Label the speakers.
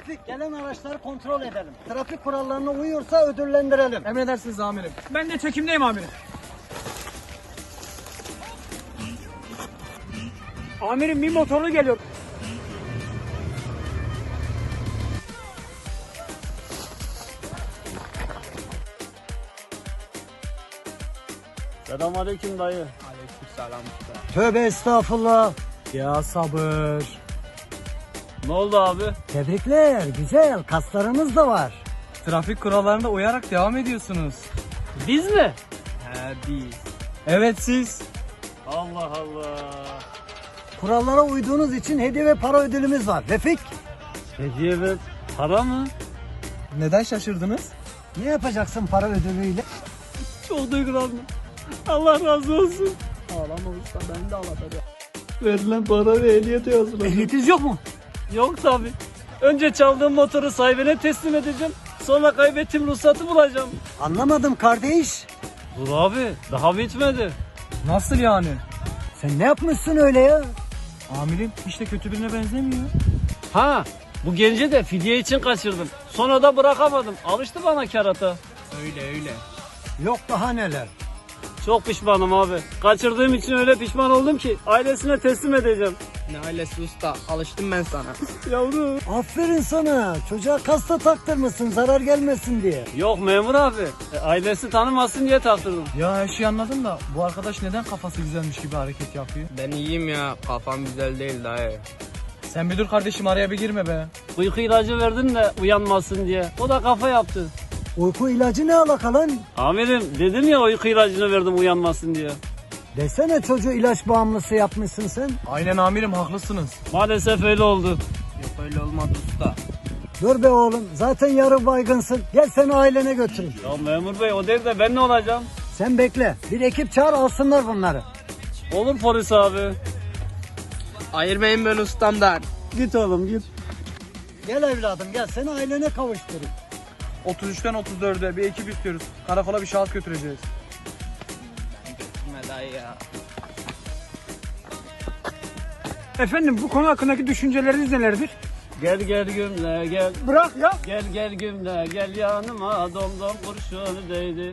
Speaker 1: Refik, gelen araçları kontrol edelim. Trafik kurallarına uyuyorsa ödüllendirelim.
Speaker 2: Emredersiniz amirim. Ben de çekimdeyim amirim. Amirim bir motorlu geliyor.
Speaker 3: Selamünaleyküm dayı.
Speaker 2: Aleykümselam.
Speaker 1: Tövbe estağfurullah.
Speaker 2: Ya sabır.
Speaker 3: Ne oldu abi?
Speaker 1: Tebrikler, güzel. Kaslarınız da var.
Speaker 2: Trafik kurallarına uyarak devam ediyorsunuz.
Speaker 3: Biz mi?
Speaker 2: He biz. Evet siz.
Speaker 3: Allah Allah.
Speaker 1: Kurallara uyduğunuz için hediye ve para ödülümüz var. Refik,
Speaker 3: Hediye ve para mı?
Speaker 2: Neden şaşırdınız?
Speaker 1: ne yapacaksın para ödülüyle?
Speaker 3: Çok duygulandım. Allah razı olsun.
Speaker 2: Ağlama usta ben de ağlatacağım.
Speaker 3: Verilen para ve ehliyet yazılı.
Speaker 1: Ehliyetiniz yok mu?
Speaker 3: Yok tabi. Önce çaldığım motoru sahibine teslim edeceğim. Sonra kaybettiğim ruhsatı bulacağım.
Speaker 1: Anlamadım kardeş.
Speaker 3: Dur abi daha bitmedi.
Speaker 2: Nasıl yani?
Speaker 1: Sen ne yapmışsın öyle ya?
Speaker 2: Amirim hiç de kötü birine benzemiyor.
Speaker 3: Ha bu genci de fidye için kaçırdım. Sonra da bırakamadım. Alıştı bana kerata.
Speaker 2: Öyle.
Speaker 1: Yok daha neler.
Speaker 3: Çok pişmanım abi. Kaçırdığım için öyle pişman oldum ki ailesine teslim edeceğim.
Speaker 2: Ne ailesi usta alıştım ben sana.
Speaker 3: Yavrum.
Speaker 1: Aferin sana. Çocuğa kasta taktırmışsın zarar gelmesin diye.
Speaker 3: Yok memur abi. Ailesi tanımasın diye taktırdım.
Speaker 2: Ya her şeyi anladım da bu arkadaş neden kafası güzelmiş gibi hareket yapıyor?
Speaker 4: Ben iyiyim ya. Kafam güzel değil dayı.
Speaker 2: Sen bir dur kardeşim araya bir girme be.
Speaker 3: Uyku ilacı verdim de uyanmasın diye. O da kafa yaptı.
Speaker 1: Uyku ilacı ne alaka lan?
Speaker 3: Amirim dedim ya uyku ilacını verdim uyanmasın diye.
Speaker 1: Desene çocuğu ilaç bağımlısı yapmışsın sen.
Speaker 2: Aynen amirim haklısınız.
Speaker 3: Maalesef öyle oldu.
Speaker 4: Yok öyle olmadı usta.
Speaker 1: Dur be oğlum zaten yarı baygınsın. Gel seni ailene götürün.
Speaker 3: Ya memur bey o değil de ben ne olacağım?
Speaker 1: Sen bekle. Bir ekip çağır alsınlar bunları.
Speaker 3: Olur polis abi.
Speaker 4: Ayırmayın beni ustamdan.
Speaker 3: Git oğlum git.
Speaker 1: Gel evladım gel seni ailene kavuşturun.
Speaker 2: 33'ten 34'e bir ekip istiyoruz. Karakola bir şahıs götüreceğiz.
Speaker 4: Gitme dayı ya.
Speaker 2: Efendim bu konu hakkındaki düşünceleriniz nelerdir?
Speaker 3: Gel gümle gel.
Speaker 2: Bırak ya.
Speaker 3: Gel gümle gel yanıma domdom kurşunu değdi.